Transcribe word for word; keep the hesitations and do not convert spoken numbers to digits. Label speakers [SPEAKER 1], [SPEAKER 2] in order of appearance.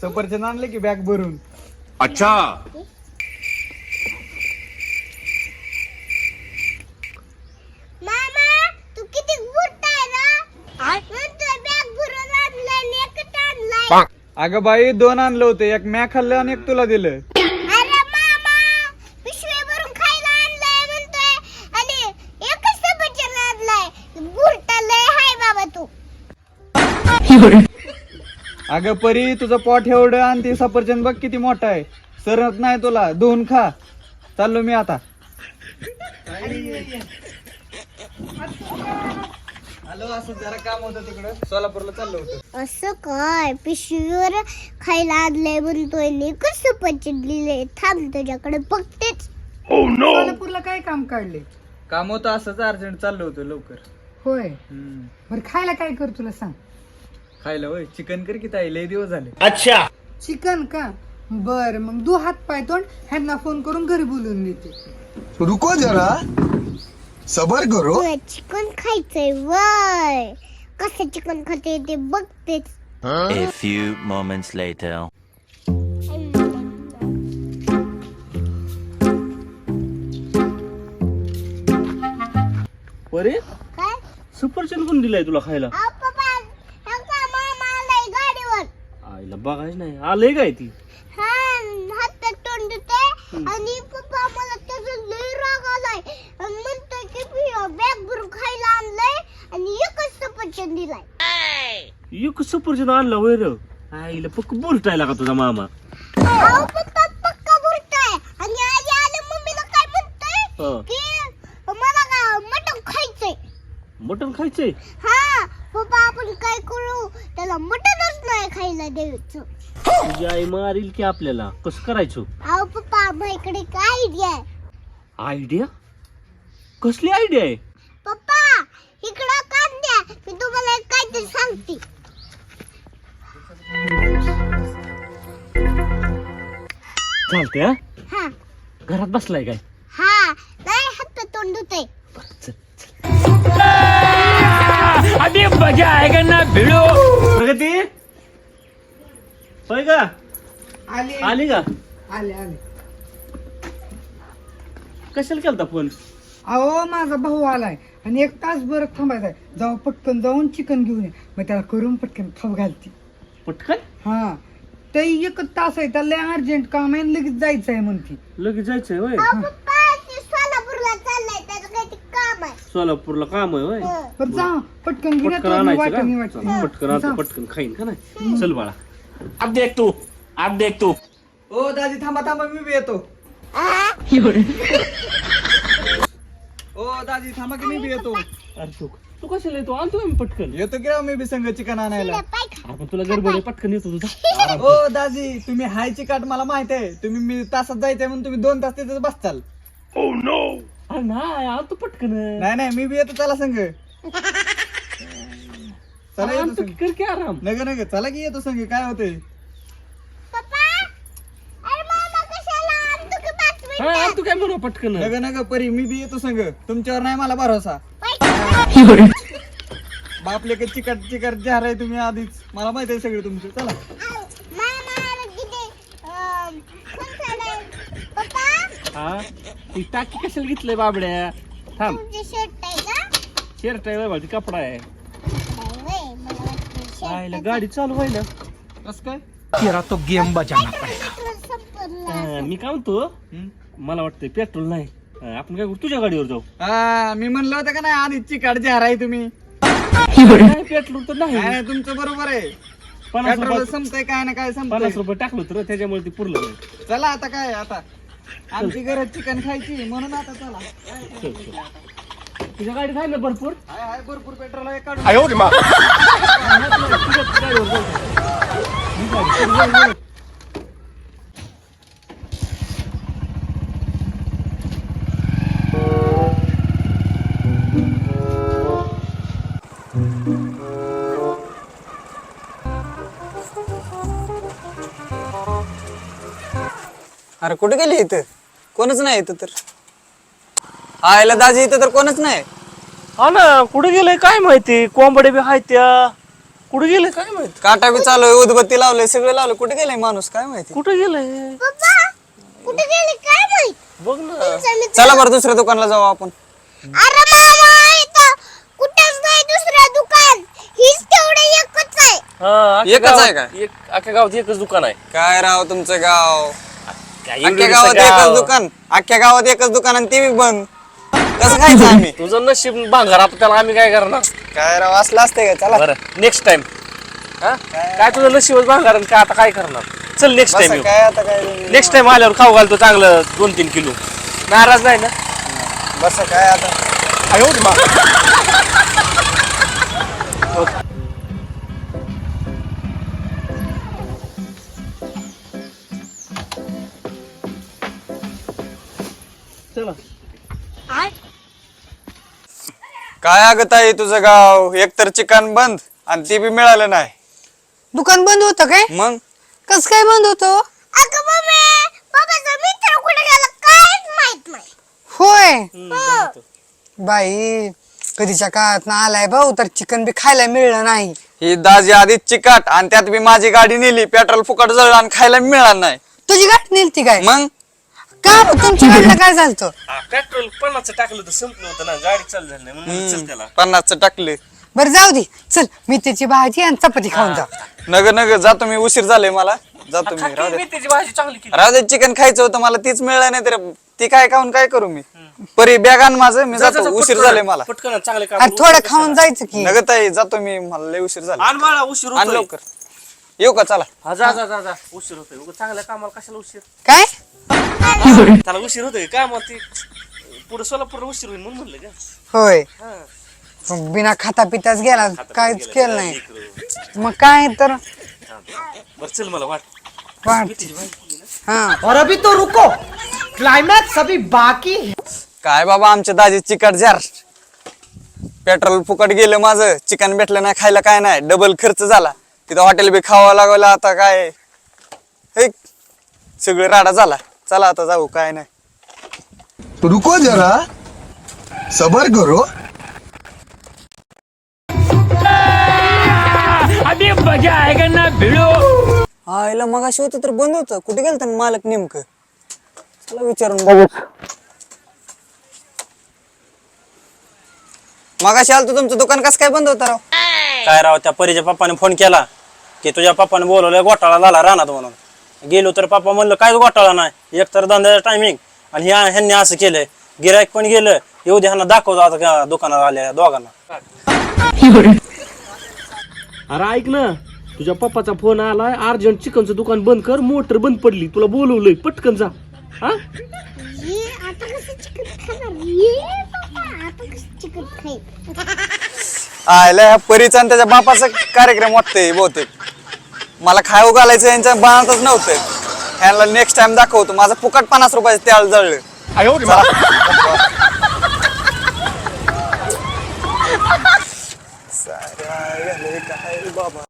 [SPEAKER 1] सफरचंद आणले की बॅग भरून.
[SPEAKER 2] अच्छा
[SPEAKER 3] मामा तू किती बुट्टा आहे ना म्हणतोय बॅग भरून आणलाय आणि एकच आणलाय.
[SPEAKER 1] अगं बाई दोन आणलं होते, एक म्या खाल्लं आणि एक तुला दिलं.
[SPEAKER 3] अरे मामा पिशवी भरून खायला आणलाय म्हणतोय आणि एकच सफरचंद आणलाय. बुट्टा लय हाय बाबा तू.
[SPEAKER 1] अगं परी तुझं पोट एवढं आणि ते सफरचंद बघ किती मोठा आहे, सरत नाही तुला, दोन खा. चाललो मी आता. हॅलो, असं जरा काम होतं तिकडं सोलापूरला चाललो होतं.
[SPEAKER 3] असं काय पिशवीवर खायला आणलंय म्हणतोय आणि एकच सफरचंद दिले. थांब तुझ्याकडे बघतेच.
[SPEAKER 4] सोलापूरला काय काम काढले?
[SPEAKER 1] काम होतं असंच, अर्जंट चाललो होतं लवकर.
[SPEAKER 4] होय,
[SPEAKER 1] हम्म.
[SPEAKER 4] बरं खायला काय कर तुला सांग.
[SPEAKER 1] खायला होय, चिकन कर की ताई, लय दिवस झाले.
[SPEAKER 2] अच्छा
[SPEAKER 4] चिकन का? बर, मग दू हात पाय तोंड ह्यांना फोन करून घरी बोलून देते.
[SPEAKER 5] रुको जरा सबर करो.
[SPEAKER 3] तुला चिकन खायचंय वय. कसं चिकन खाते ते बघतेच.
[SPEAKER 6] A few moments later.
[SPEAKER 2] अरे
[SPEAKER 3] काय
[SPEAKER 2] सफरचंद कोण दिलाय तुला खायला?
[SPEAKER 3] अहो पप्पा हे का मामा आलाय गाडीवर.
[SPEAKER 2] आईला बघायच नाही आलंय काय ती.
[SPEAKER 3] हा हातात तोंड देते आणि पप्पा मला त्याचा लय राग आलाय आणि म्हणतोय की बॅग भरून खायला आणलंय आणि एकच सफरचंद दिलाय.
[SPEAKER 2] एक सफरचंद आणला होय र. आईला पक्क बोलतायला का तुझा मामा?
[SPEAKER 3] अहो पप्पा पक्का बोलताय आणि आधी आले मम्मीला काय म्हणतोय
[SPEAKER 2] हा.
[SPEAKER 3] की मला का मटण खायचंय.
[SPEAKER 2] मटण खायचंय?
[SPEAKER 3] हा पप्पा आपण काय करू, त्याला मटणच नाही खायला द्यायचं.
[SPEAKER 2] तुझी आई मारील की आपल्याला. कसं करायचं?
[SPEAKER 3] अहो पप्पा माझ्याकडे काय आयडिया आहे.
[SPEAKER 2] आयडिया? कसली आयडिया आहे?
[SPEAKER 3] पप्पा इकडं कान द्या, मी तुम्हाला एक काहीतरी सांगते.
[SPEAKER 2] चालते हा.
[SPEAKER 3] हा
[SPEAKER 2] घरात बसलाय काय?
[SPEAKER 3] हा नाही हात तोंड धुतोय.
[SPEAKER 2] अभी मजा आएगा ना भिडो. प्रगती होय का?
[SPEAKER 4] आले
[SPEAKER 2] आली का?
[SPEAKER 4] आले आले.
[SPEAKER 2] कशाला केलता फोन?
[SPEAKER 4] अहो माझा भाऊ आलाय आणि एक तास बरं थांबायचंय. जाऊ पटकन जाऊन चिकन घेऊन ये, मग त्याला करून पटकन खाऊ घालते.
[SPEAKER 2] पटकन
[SPEAKER 4] हा ते एकच तास आहे, त्याला अर्जंट काम आहे, लगेच जायचं आहे म्हणते.
[SPEAKER 2] लगेच जायचंय होय?
[SPEAKER 3] अहो पप्पा ते सोलापूरला चाललाय, त्याचं काहीतरी काम आहे.
[SPEAKER 2] सोलापूरला काम आहे होय?
[SPEAKER 3] हं.
[SPEAKER 4] बरं जा पटकन घेऊन
[SPEAKER 2] पटकन
[SPEAKER 4] ये,
[SPEAKER 2] आणायचं
[SPEAKER 4] वाटणी
[SPEAKER 2] का?
[SPEAKER 4] वाटणी.
[SPEAKER 2] चला, पटकन आणतो,
[SPEAKER 4] जा.
[SPEAKER 2] पटकन खाईन का नाही. चल बाळा. अब देख तू अब देख तू.
[SPEAKER 1] ओ दादी थांबा थांबा, मी बी येतो. ओ दादी थांबा की मी बी येतो.
[SPEAKER 2] अरे तू तू कशाला येतो? आणतो मी पटकन.
[SPEAKER 1] येतो की राव मी बी संग चिकन आणायला.
[SPEAKER 3] तिला पाय खा.
[SPEAKER 2] आपण तुला गडबड आहे, पटकन येतो तुझा.
[SPEAKER 1] ओ दाजी तुम्ही हायची काट मला माहित आहे. तुम्ही मी तासात जायचंय म्हणून तुम्ही दोन तास तिथेच बसताल.
[SPEAKER 2] अरे नाही आणतो पटकन.
[SPEAKER 1] नाही नाही मी बी येतो, चला संग. चला येतो
[SPEAKER 2] आणतो
[SPEAKER 1] संग.
[SPEAKER 2] की, कर की आराम.
[SPEAKER 1] नग नग चला की येतो संग. काय होतंय?
[SPEAKER 3] पप्पा अरे मामा कशाला आणतो की पाच
[SPEAKER 2] हा
[SPEAKER 3] मिनिटं.
[SPEAKER 2] आणतो काय म्हणू पटकन.
[SPEAKER 1] नग नग परी मी बी येतो संग. तुमच्यावर नाही मला भरोसा.
[SPEAKER 3] पाय खा.
[SPEAKER 1] बापले का चिकट चिकट जहार आहे तुम्ही आधीच. मला माहित आहे सगळं तुमचं. चला
[SPEAKER 3] अहो, मामा अरे किती अं, कोण चाललंय? पप्पा
[SPEAKER 2] हा ती टाकी कशाला घेतलंय बाबड्या? थांब.
[SPEAKER 3] तुमचे शर्ट आहे का?
[SPEAKER 2] शर्ट आहे बाबा, ती कपडा आहे.
[SPEAKER 3] नाही व्हय, मला वाटलं
[SPEAKER 2] आईला
[SPEAKER 3] shirt
[SPEAKER 2] गाडी चालू व्हायला.
[SPEAKER 1] कस काय?
[SPEAKER 5] तेरा तो गेम बजाना
[SPEAKER 3] पेट्रोल संपलं.
[SPEAKER 2] हा, मी काय म्हणतो,
[SPEAKER 1] हं?
[SPEAKER 2] मला वाटतंय पेट्रोल नाही. हा, आपण काय करू, तुझ्या गाडीवर जाऊ.
[SPEAKER 1] हा मी म्हणलं होतं का नाही आधीच चिकट जहार आहे तुम्ही.
[SPEAKER 2] नाही, पेट्रोल तर नाही.
[SPEAKER 1] नाही नाही, तुमचं बरोबर आहे.
[SPEAKER 2] पन्नास
[SPEAKER 1] पेट्रोल
[SPEAKER 2] रुपये
[SPEAKER 1] संपतंय काय ना काय
[SPEAKER 2] पन्नास
[SPEAKER 1] संपतंय.
[SPEAKER 2] रुपये टाकलो तर त्याच्यामुळे ती पुरलं नाही.
[SPEAKER 1] चला आता काय आता आमची गरज चिकन खायची म्हणून आता चला.
[SPEAKER 2] चल, चल. तुझ्या गाडीत आहे ना भरपूर?
[SPEAKER 1] हाय हाय भरपूर पेट्रोल आहे, काढून.
[SPEAKER 2] तुझ्या गाडीवर जाऊ. ही गाडी, चल, जाऊ, जाऊ.
[SPEAKER 1] अरे कुठे गेली इथं? कोणच नाही इथं तर. आयला दाजी इथं तर कोणच नाही.
[SPEAKER 2] हा ना, कुठे गेलंय काय माहिती. कोंबडे बी आहेत त्या. कुठे गेले काय माहिती?
[SPEAKER 7] काटा बी चालू आहे, उदबत्ती लावलंय, सगळं लावलं. कुठे गेलाय माणूस काय माहिती?
[SPEAKER 2] कुठे गेले
[SPEAKER 3] पप्पा कुठे गेले काय माहित
[SPEAKER 2] बघ ना.
[SPEAKER 7] चला बरं दुसऱ्या दुकानला जाऊ आपण.
[SPEAKER 3] अरे मामा इथं कुठेच नाही दुसरं दुकान हीच तेवढं एकच आहे
[SPEAKER 2] हा, अख्ख्या
[SPEAKER 7] एकच आहे
[SPEAKER 2] गावात- एक अख्ख्या गावात एकच दुकान आहे.
[SPEAKER 7] काय राव तुमचं गाव,
[SPEAKER 2] काय
[SPEAKER 7] अख्ख्या
[SPEAKER 2] एवढं
[SPEAKER 7] गावात
[SPEAKER 2] गाव.
[SPEAKER 7] एकच दुकान, अख्ख्या गावात एकच दुकान आणि ते बी बंद. कसं खायचं आम्ही?
[SPEAKER 2] तुझं नशीब भांगार, आता त्याला आम्ही काय करणार?
[SPEAKER 7] काय राव असलं असतंय का? चला
[SPEAKER 2] बरं नेक्स्ट टाइम. हा काय तुझं नशीबच भांगार आणि काय आता काय करणार? चल नेक्स्ट
[SPEAKER 7] बसा,
[SPEAKER 2] टाइम
[SPEAKER 7] काय आता काय
[SPEAKER 2] नेक्स्ट टाइम आल्यावर खाऊ घालतो चांगलं दोन तीन किलो. नाराज नाही ना?
[SPEAKER 7] बस काय आता.
[SPEAKER 2] आयो मा. चला
[SPEAKER 7] काय अगत आहे तुझं गाव, एकतर चिकन बंद आणि ते बी मिळालं नाही.
[SPEAKER 4] दुकान बंद होतं काय?
[SPEAKER 7] मग
[SPEAKER 4] कस काय बंद होतं?
[SPEAKER 3] अगं मम्मी पप्पाचा मित्र कुठे गेला काहीच माहित नाही
[SPEAKER 4] होय बाई, कधीच्या काळात ना आलाय भाऊ तर चिकन बी खायला मिळलं नाही.
[SPEAKER 7] ही दाजी आधीच चिकाट आणि त्यात बी माझी गाडी नेली, पेट्रोल फुकट जळलं आणि खायला मिळालं नाही.
[SPEAKER 4] तुझी गाठ नेलती काय?
[SPEAKER 7] मग
[SPEAKER 4] का तुमच्या गाडीला काय झालं?
[SPEAKER 2] पेट्रोल पन्नासचं टाकलं तर संपलं होतं ना, गाडी चालू झाली नाही म्हणून चल त्याला.
[SPEAKER 7] पन्नासचं टाकले.
[SPEAKER 4] बरं जाऊ दे, चल मेथीची भाजी आणि चपाती खाऊन जा.
[SPEAKER 7] नग नग जातो मी, उशीर झाले मला, जातो मी. राहू दे
[SPEAKER 2] मेथीची भाजी चांगली केली.
[SPEAKER 7] राहू दे, चिकन खायचं होतं मला, तीच मिळलं नाही तर ती काय खाऊन काय करू मी? परी बॅग आण माझं, मी
[SPEAKER 2] जा, जा,
[SPEAKER 7] जातो,
[SPEAKER 2] जा,
[SPEAKER 7] उशीर
[SPEAKER 2] पटकन
[SPEAKER 7] झाले मला.
[SPEAKER 2] पटकन चांगले काम
[SPEAKER 4] अरे थोडं खाऊन जायचं की.
[SPEAKER 7] नग ताई जातो मी, मला लय उशीर झाला.
[SPEAKER 2] आण बाळा, उशीर
[SPEAKER 7] आण
[SPEAKER 2] होतोय.
[SPEAKER 7] लवकर. येऊ का? चला.
[SPEAKER 2] हा जा जा जा जा उशीर होतोय. उगाच चांगल्या कामाला कशाला उशीर?
[SPEAKER 4] काय?
[SPEAKER 2] त्याला उशीर होतोय काय मग ते पुढे सोलापूर उशीर होईल म्हणून म्हणलं का?
[SPEAKER 4] होय,
[SPEAKER 2] हा.
[SPEAKER 4] मग बिना खाता पिताच गेला, काहीच
[SPEAKER 2] गेलं,
[SPEAKER 4] केलं नाही.
[SPEAKER 2] लेकरं.
[SPEAKER 4] मग काय तर
[SPEAKER 2] बरं चल मला वाट.
[SPEAKER 4] वाट.
[SPEAKER 2] मेथीची भाजी केली ना?
[SPEAKER 4] हा
[SPEAKER 8] और अभी तो रुको, क्लाइमैक्स अभी बाकी है.
[SPEAKER 7] काय बाबा आमच्या दाजी चिकट जार, पेट्रोल फुकट गेलं माझं, चिकन भेटलं नाही खायला, काय नाही, डबल खर्च झाला. तिथं हॉटेल बी खावा लागला. आता काय हे सगळं राडा झाला. चला आता जाऊ, काय नाही.
[SPEAKER 5] रुको जरा, सबर करो.
[SPEAKER 7] आईला मग अशी होतं तर बंद होतं, कुठे गेलं तर मालक नेमकं? चला विचारून बघू. मग अशी आलं तुमचं दुकान कसं काय बंद होतं राव?
[SPEAKER 9] काय राव, त्या परीच्या पप्पाने फोन केला की तुझ्या पप्पाने बोलवलंय घोटाळा झाला रानात म्हणून. गेलो तर पप्पा म्हणलं काय घोटाळा नाही, एक तर धंद्याचा टायमिंग आणि ह्या ह्यांनी असं केलंय. गिरायक पण गेलं, येऊ दे ह्यांना दाखवतो आता का दुकानात आल्या दोघांना.
[SPEAKER 2] अरे ऐक ना, तुझ्या पप्पाचा फोन आलाय, अर्जंट चिकनचं दुकान बंद कर, मोटर बंद पडली, तुला बोलवलंय, पटकन जा. हा
[SPEAKER 3] ये आता कसं चिकन खाणार ये पप्पा आता कसं चिकन खाईल
[SPEAKER 7] आयला ह्या परीचा आणि त्याच्या बापाचा कार्यक्रम वाटतंय बहुतेक. मला खाऊ घालायचं यांच्या बाणातच नव्हतं. ह्यांना नेक्स्ट टाइम दाखवतो, माझं फुकट पन्नास रुपयाचं त्याला जळलं. साऱ्या झाले काय बाबा.